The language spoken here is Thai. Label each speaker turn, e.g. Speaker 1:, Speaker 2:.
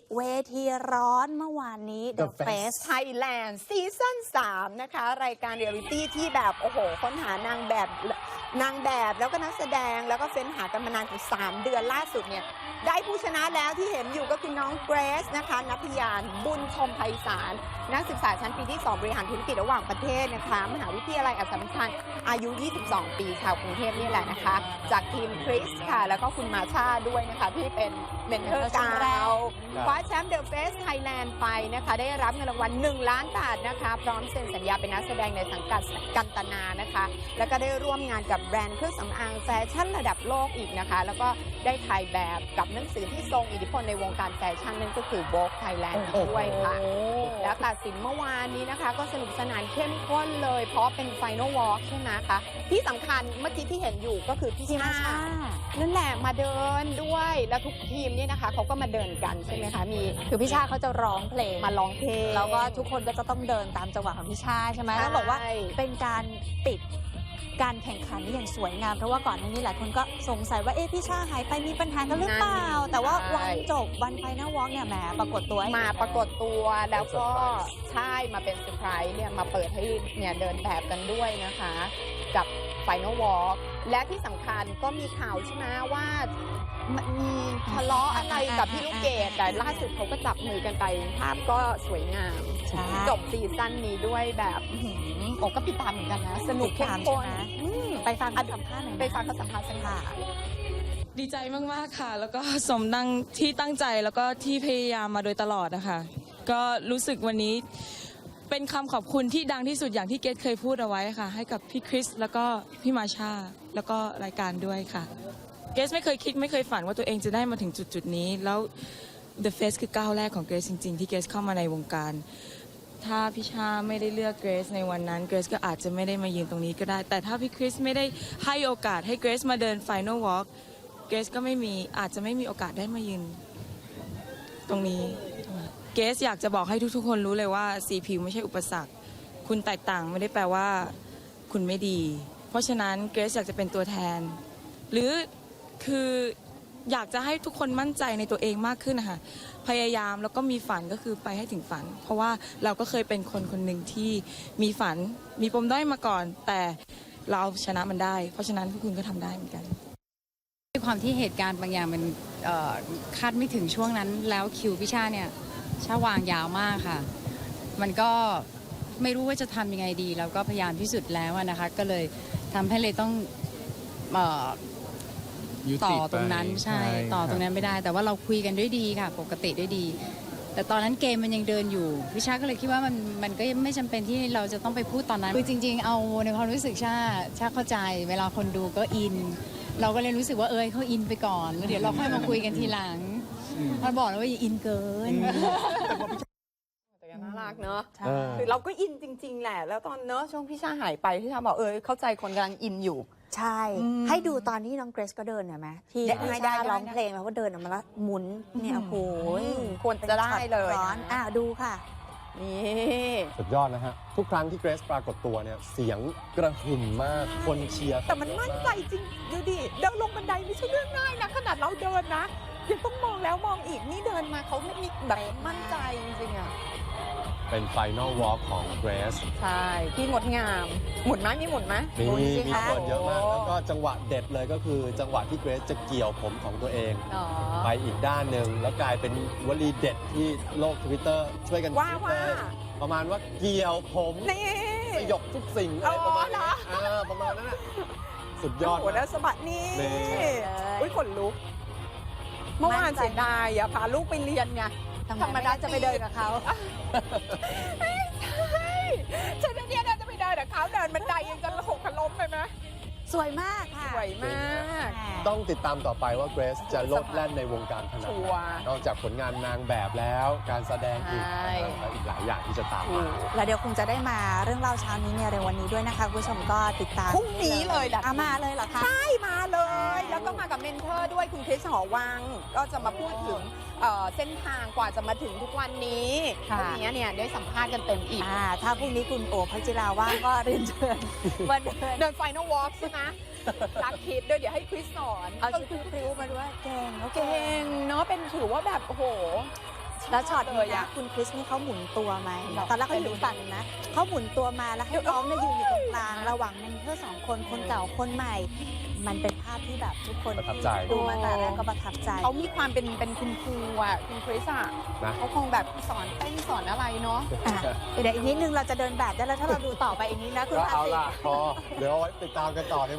Speaker 1: เวทีร้อนเมื่อวานนี้ The Face
Speaker 2: Thailand ซีซั่น3นะคะรายการเรียลลิตี้ที่แบบโอ้โหค้นหานางแบบแล้วก็นักแสดงแล้วก็เฟ้นหากันมานานถึง3 เดือนล่าสุดเนี่ยได้ผู้ชนะแล้วที่เห็นอยู่ก็คือน้องเกรซนะคะนัทยานบุญชมไพศาลนักศึกษาชั้นปีที่2บริหารธุรกิจระหว่างประเทศนะคะมหาวิทยาลัยอัสสัมชัญอายุ22 ปีชาวกรุงเทพนี่แหละนะคะจากทีมคริสค่ะแล้วก็คุณมาชาด้วยนะคะที่เป็นเมนเทอร์เราคว้าแชมป์ The Face Thailand ไปนะคะได้รับเงินรางวัล1 ล้านบาทนะคะพร้อมเซ็นสัญญาเป็นนักแสดงในสังกัดกันตนานะคะแล้วก็ได้ร่วมงานกับแบรนด์เครื่องสำอางแฟชั่นระดับโลกอีกนะคะแล้วก็ได้ถ่ายแบบกับหนังสือที่ทรงอิทธิพลในวงการแฟชั่นนั่นก็คือ Vogue Thailand ด้วยค่ะแล้วตัดสินเมื่อวานนี้นะคะก็สนุกสนานเข้มข้นเลยเพราะเป็น Final Walk ใช่ไหมคะที่สำคัญเมื่อกี้ที่เห็นอยู่ก็คือพี่ชานั่นแหละมาเดินด้วยแล้วทุกทีมเนี่ยนะคะเขาก็มาเดินกันใช่ไหมคะมี
Speaker 1: คือพี่ชาเขาจะร้องเพลง
Speaker 2: มาร้องเพลง
Speaker 1: แล้วก็ทุกคนก็จะต้องเดินตามจังหวะของพี่ชาใช่ไหมแล้วบอกว่าเป็นการปิดการแข่งขันอย่างสวยงามเพราะว่าก่อนหน้านี้หลายคนก็สงสัยว่าพี่ชาหายไปมีปัญหากันหรือเปล่าแต่ว่าวันจบวันไฟนอลวอล์กเนี่ยแหมปรากฏตัว
Speaker 2: มาปรากฏตัวแล้วก็ใช่มาเป็นเซอร์ไพรส์เนี่ยมาเปิดให้เนี่ยเดินแบบกันด้วยนะคะกับไฟนอลวอล์กและที่สำคัญก็มีข่าวใช่ไหมว่ามีทะเลาะอะไรกับพี่ลูกเกดแต่ล่าสุดเขาก็จับมือกันไปภาพก็สวยงามจบซีซั่นนี้ด้วยแบบโอ้ก็ติดตามเหมือนกันนะสนุกเข้มข้น
Speaker 1: ไปฟังสัมภาษณ์หน่อย
Speaker 2: ไปฟังเขาสัมภาษณ์สักค่ะ
Speaker 3: ดีใจมากๆค่ะแล้วก็สมดังที่ตั้งใจแล้วก็ที่พยายามมาโดยตลอดนะคะก็รู้สึกวันนี้เป็นคำขอบคุณที่ดังที่สุดอย่างที่เกรซเคยพูดเอาไว้ค่ะให้กับพี่คริสแล้วก็พี่มาชาแล้วก็รายการด้วยค่ะเกรซไม่เคยคิดไม่เคยฝันว่าตัวเองจะได้มาถึงจุดนี้แล้ว The Face คือก้าวแรกของเกรซจริงๆที่เกรซเข้ามาในวงการถ้าพี่ชาไม่ได้เลือกเกรซในวันนั้นเกรซก็อาจจะไม่ได้มายืนตรงนี้ก็ได้แต่ถ้าพี่คริสไม่ได้ให้โอกาสให้เกรซมาเดิน Final Walk เกรซก็อาจจะไม่มีโอกาสได้มายืนตรงนี้เกรซอยากจะบอกให้ทุกๆคนรู้เลยว่าสีผิวไม่ใช่อุปสรรคคุณแตกต่างไม่ได้แปลว่าคุณไม่ดีเพราะฉะนั้นเกรซอยากจะเป็นตัวแทนหรือคืออยากจะให้ทุกคนมั่นใจในตัวเองมากขึ้นนะคะพยายามแล้วก็มีฝันก็คือไปให้ถึงฝันเพราะว่าเราก็เคยเป็นคนหนึ่งที่มีฝันมีปมด้อยมาก่อนแต่เราเอาชนะมันได้เพราะฉะนั้นพวกคุณก็ทำได้เหมือนกัน
Speaker 4: ด้วยความที่เหตุการณ์บางอย่างมันคาดไม่ถึงช่วงนั้นแล้วคิวพี่ชาเนี่ยชาวางยาวมากค่ะมันก็ไม่รู้ว่าจะทำยังไงดีแล้วก็พยายามที่สุดแล้วนะคะก็เลยทำให้เลยต้องต่อตรงนั้นใช่ต่อตรงนั้นไม่ได้แต่ว่าเราคุยกันด้วยดีค่ะปกติด้วยดีแต่ตอนนั้นเกมมันยังเดินอยู่พี่ชาก็เลยคิดว่ามันก็ไม่จำเป็นที่เราจะต้องไปพูดตอนนั้นคือจริงๆเอาในความรู้สึกชาเข้าใจเวลาคนดูก็อินเราก็เลยรู้สึกว่าเขาอินไปก่อนแล้วเดี๋ยวเราค่อยมาคุยกันทีหลังมันบอกแล้วว่าอย่าอินเกิน
Speaker 2: แต่น่ารักเนอะคือเราก็อินจริงๆแหละแล้วตอนเนอะช่วงพี่ชาหายไปพี่ชาบอกเข้าใจคนกำลังอินอยู่
Speaker 1: ใช่ให้ดูตอนที่น้องเกรซก็เดินเห็นไหมที่ได้ร้องเพลงแล้วก็เดินออกมาแล้วหมุนเนี่ยโอ้โห
Speaker 2: ควรจะได้เลย
Speaker 1: ร้อนดูค่ะ
Speaker 2: นี่
Speaker 5: สุดยอดนะฮะทุกครั้งที่เกรซปรากฏตัวเนี่ยเสียงกระหึ่มมากคนเชียร์
Speaker 2: แต่มันมั่นใจจริงดูดิเดินลงบันไดไม่ใช่เรื่องง่ายนะขนาดเราเดินนะยังต้องมองแล้วมองอีกนี่เดินมาเขาไม่มีแบบมั่นใจจริงๆอะ
Speaker 5: เป็น Final Walk ของเกรซ
Speaker 2: ใช่ที่งดงามหมุนไหมมีหมุนไหม
Speaker 5: มีคนเยอะมากแล้วก็จังหวะเด็ดเลยก็คือจังหวะที่เกรซจะเกี่ยวผมของตัวเองไปอีกด้านหนึ่งแล้วกลายเป็นวลีเด็ดที่โลก Twitter ช่วยกันคิดเลยประมาณว่าเกี่ยวผมสยบทุกสิ่งอะไรประมาณนั้นประมาณนั้นสุดยอด
Speaker 2: โอ้แล้วสะบัดนี่อุ้ยขนลุกเมื่อวานเสียดายอย่าพาลูกไปเรียนไงธรรมดาจะไปเดินกับเขาใช่ฉันเนี่ยจะไปเดินกับเขาเดินบันไดยังจะหกล้มไปไหม
Speaker 1: สวยมากค่ะ
Speaker 2: สวยมาก
Speaker 5: ต้องติดตามต่อไปว่าเกรซจะโลดแล่นในวงการขนาดไหนนอกจากผลงานนางแบบแล้วการแสดงอีกหลายอย่างที่จะตามมา
Speaker 1: แล้วเดี๋ยวคงจะได้มาเรื่องเล่าเช้านี้ในวันนี้ด้วยนะคะคุณผู้ชมก็ติดตาม
Speaker 2: พรุ่งนี้เลยแหละ
Speaker 1: มาเลยเหรอคะ
Speaker 2: ใช่มาเลยแล้วก็มากับเมนเทอร์ด้วยคุณคริสหอวังก็จะมาพูดถึงเส้นทางกว่าจะมาถึงทุกวันนี้พรุ่งนี้เนี่ยได้สัมภาษณ์กันเต็มอีก
Speaker 1: ถ้าพรุ่งนี้คุณโอภัจิราว่างก็เรียนเชิญ
Speaker 2: มาเดินไฟนอลวอล์กใช่ไหมรักคิดด้วยเดี๋ยวให้คริสสอน
Speaker 1: เอาชุดพริ้วมาด้วยเก่ง
Speaker 2: เนาะเป็นถือว่าแบบโอ้โหช
Speaker 1: แล้วช็อตนี้นะคุณคริสนี่เขาหมุนตัวไหมตอนแรกเขาอยู่ฝั่งนะเขาหมุนตัวมาแล้วให้น้องเนี่ยยืนอยู่ตรงกลางระหว่างเมนเทอร์2 คนคนเก่าคนใหม่ มันเป็นภาพที่แบบทุกคน
Speaker 5: ประทับใจ
Speaker 1: ดูมาแต่แรกก็ประทับใจ
Speaker 2: เขามีความเป็นคุณครูอ่ะคุณคริสอ่ะ
Speaker 5: นะ
Speaker 2: เขาคงแบบสอนเต้นสอนอะไรเนาะ
Speaker 1: อ่ะเดี๋ยวอีกนิดนึงเราจะเดินแบบได้แล้วถ้าเราดูต่อไปอีกนี้นะคุณ
Speaker 5: ก็
Speaker 1: อา
Speaker 5: เอา
Speaker 1: ติ
Speaker 5: ล่ะพอเดี๋ยวเอาไว้ติดตามกันต่อใน